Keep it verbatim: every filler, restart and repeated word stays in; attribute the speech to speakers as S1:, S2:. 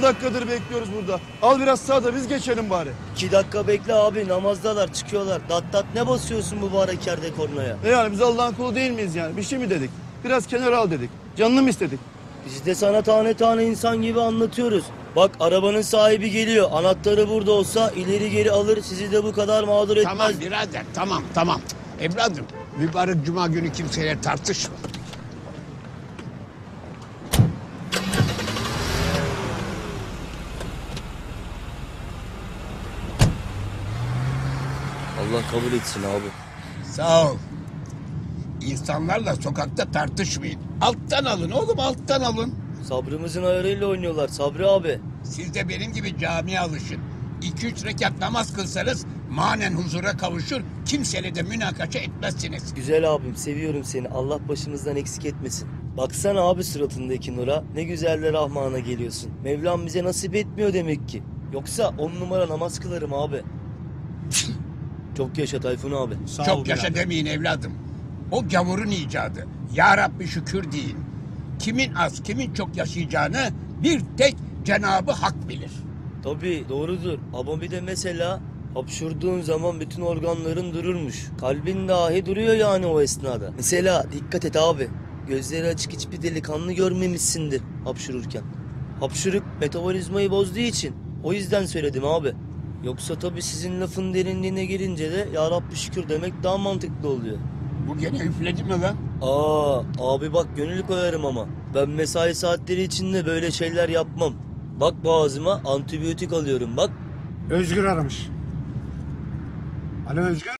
S1: dakikadır bekliyoruz burada. Al biraz sağda biz geçelim bari.
S2: İki dakika bekle abi, namazdalar, çıkıyorlar. Dat dat ne basıyorsun bu mübarek yerde kornaya?
S1: E yani biz Allah'ın kulu değil miyiz yani? Bir şey mi dedik? Biraz kenara al dedik. Canını mı istedik?
S2: Biz de sana tane tane insan gibi anlatıyoruz. Bak arabanın sahibi geliyor. Anahtarı burada olsa ileri geri alır. Sizi de bu kadar mağdur etmez.
S3: Tamam birader, tamam tamam. Evladım, mübarek cuma günü kimseyle tartışma.
S2: Allah kabul etsin abi.
S3: Sağ ol. İnsanlarla sokakta tartışmayın. Alttan alın oğlum, alttan alın.
S2: Sabrımızın ayarıyla oynuyorlar Sabri abi.
S3: Siz de benim gibi camiye alışın. İki üç rekat namaz kılsanız manen huzura kavuşur, kimseyle de münakaşa etmezsiniz.
S2: Güzel abim, seviyorum seni. Allah başımızdan eksik etmesin. Baksana abi suratındaki nura. Ne güzel de Rahman'a geliyorsun. Mevlam bize nasip etmiyor demek ki. Yoksa on numara namaz kılarım abi. Çok yaşa Tayfun abi.
S3: Çok yaşa demeyin evladım. O gavurun icadı. Ya Rabbi şükür deyin. Kimin az, kimin çok yaşayacağını bir tek Cenabı Hak bilir.
S2: Tabii doğrudur. Ama bir de mesela hapşurduğun zaman bütün organların dururmuş. Kalbin dahi duruyor yani o esnada. Mesela dikkat et abi. Gözleri açık hiçbir delikanlı görmemişsindir hapşururken. Hapşuruk metabolizmayı bozduğu için. O yüzden söyledim abi. Yoksa tabii sizin lafın derinliğine girince de ya Rabbi şükür demek daha mantıklı oluyor.
S3: Bu gene üfledi mi lan?
S2: Aa abi bak gönül koyarım ama. Ben mesai saatleri içinde böyle şeyler yapmam. Bak boğazıma antibiyotik alıyorum bak.
S4: Özgür aramış. Alo Özgür.